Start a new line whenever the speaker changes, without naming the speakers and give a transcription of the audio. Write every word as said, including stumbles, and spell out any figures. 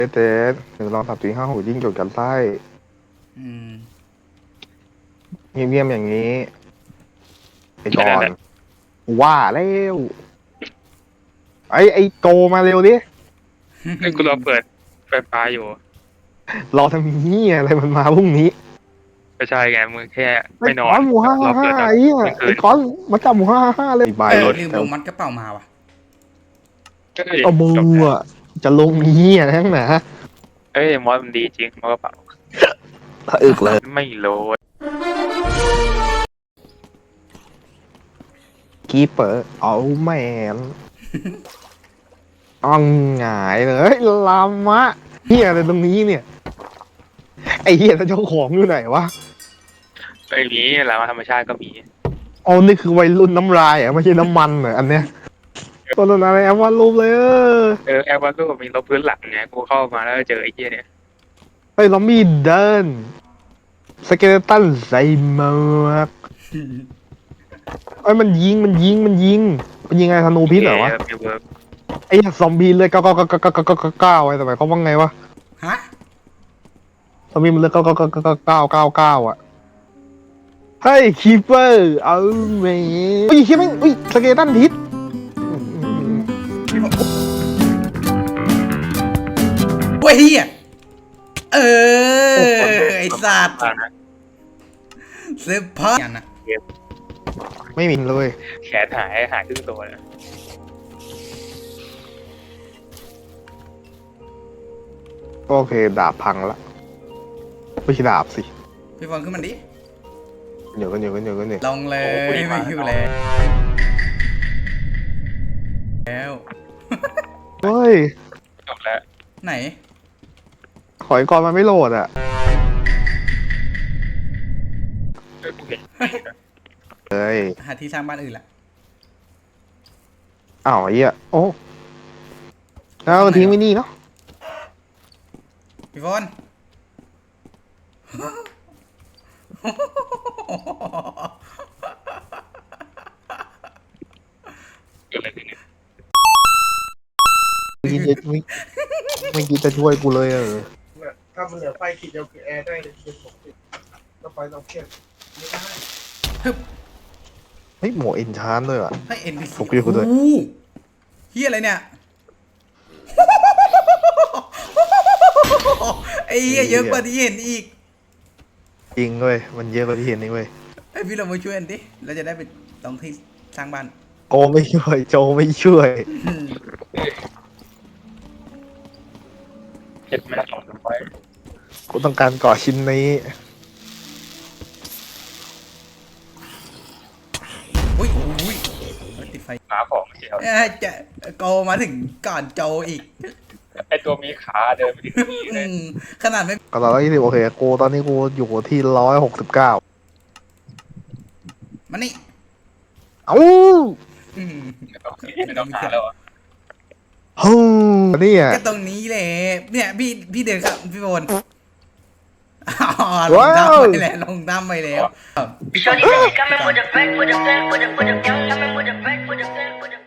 เต้หนึ่งลองสับสี่ห้าหกยิ่งจดกันไส้
อืม
เงียบๆอย่างนี้ไอ้ก่อน
แค่นั้นแหละ
ว่าแล้วไอ้ไอ้โตมาเร็วดิ
ไอ้ยกูรอเปิดไฟฟ้าอยู่
รอทำนี้ยอะไรมันมาพรุ่งนี้
ไม่ใช่ไงมึงแค่
ไอ้
ไม่นอ
ก้อน นหมูห้ารห้า
อเปิดตอน
ห้าไอ้เหี้ย
กลางคื
ไอ้
น
ก้อนมาจับหมูห้าห้าเลยใบ
เอ
ร
อ
ถ
ลืม
แต่
ลงมัดกระเป๋ามาว่ะ
ก็เลย
เอามื
จบ
อ
แล้ว
อะจะลงนี้ยทั้งหนา
เอ้ยมอสมันดีจริงมอสกระเป๋า
ถ้าอึกเลย
ไม่โหลด
กีเปอร์เอาแมนอ่องหงายเลยลามะเฮียอะไรตรงนี้เนี่ยไอ้เฮียแล้วเจ้าของอยู่ไหนวะ
ไอ้นี้แหละธรรมชาติก็มี
อ๋อนี่คือวัยรุ่นน้ำลายอ่ะไม่ใช่น้ำมันเหรออันเนี้ยตัวนั้นอะไรแอมวาดรูปเลยเออ
เออแอร์วันก็มีลบพื้นหลังไงกูเข้ามาแล้วเจอไอ้เหี้ยเนี่ย
เฮ้ยลอมบี้เดินสเกเลตันใส่หมวกเอ้ยมันยิงมันยิงมันยิงมันยิงไงธนูพิษเหรอวะ
มีเวิร์ก
ไอ้ซอมบี้เลยเก้าเก้าเก้าเก้าเก้าเก้าเก้าเก้าไอ้สมัยเขาว่าไงวะ
ฮะ
ซอมบี้มันเลยเก้าเก้าเก้าเก้าเก้าเก้าเก้าเก้าอ่ะเฮ้ยคีเปอร์เอาแม่เฮ้ยเฮ้ยแม่งเฮ้ยสเกเลตันพิษ
เว้ยเฮียเออ ไอสัตว์
อ่านะ
เสื้อผ้าอย่างน่ะ
ไม่มีเลย
แขนหายหายครึ่งตัวเลย
โอเคดาบพังละไม่ใช่ดาบสิ
พี่บอลขึ้นมันดิ
เดี๋ยวกันเดี๋ยวกันเดี๋ยวกันเดี๋ยว
ลงเลยไม่อยู่แล้วแล้ว
เฮ้ย
จบแล้ว
ไหน
ขอยก่อนมันไม่โหลดอ่ะ
เออกูเห็น
เฮ้ย
หาที่สร้างบ้านอื่นละ
อ้าวไอ้เหี้ยโอ้แล้วเอาทิ้งไว้นี่เนาะ
พี่บอล
เกิดอะไรขึ้นเนี่ย
ไม่คิดจะไม่ไม่คิดจะช่วยกูเลยเออ
ถ้ามันเหลือไฟขีดเดียวคือแอร์ได้เลยคือปกติแล้วไฟต้องเครียดไม่ได้
เฮ้ยหมวกเอ็นชานด้วยอ่ะ
ให้เอ็นพีซี
ผมคิดว่าคุณด้วย
เฮียอะไรเนี่ย ไอ้เฮียเยอะกว่าที่เห็นอีก
จริงเว้ยมันเยอะกว่าที่เห็นนี่เว้ย
ไอ้พี่เรามาช่วยกันดิเราจะได้ไปตรงที่สร้างบ้าน
โกไม่ช่วยโจไม่ช่วย
เห็นไหมสองร้อย
กูต้องการก่อชิ้นนี้
อุ้ยอุ้ยติดไฟ
ขาของเดียว
เอ้ยจะโกมาถึงก่อนโจอีก
ไอตัวมีขาเดินไปถึงนี่เล
อื
ย
มขนาดไม่
ก็ตอนนี้โอเคกูตอนนี้กูอยู่ที่ร้อยหกสิบเก้า
มานี่
เอ้า
อืม
ไม่ต้องหาแล้วอ่ะ
ฮู้นี่อ่ะ
ก็ตรงนี้แหละเนี่ยพี่พี่เดินครับพี่โบนอ๋อลง
ว้าว
น้ำไปแล้วลงน้ำไปแล้ว
Shorty said she coming with a back, with a back, with a with a young coming with a back, with a back, with a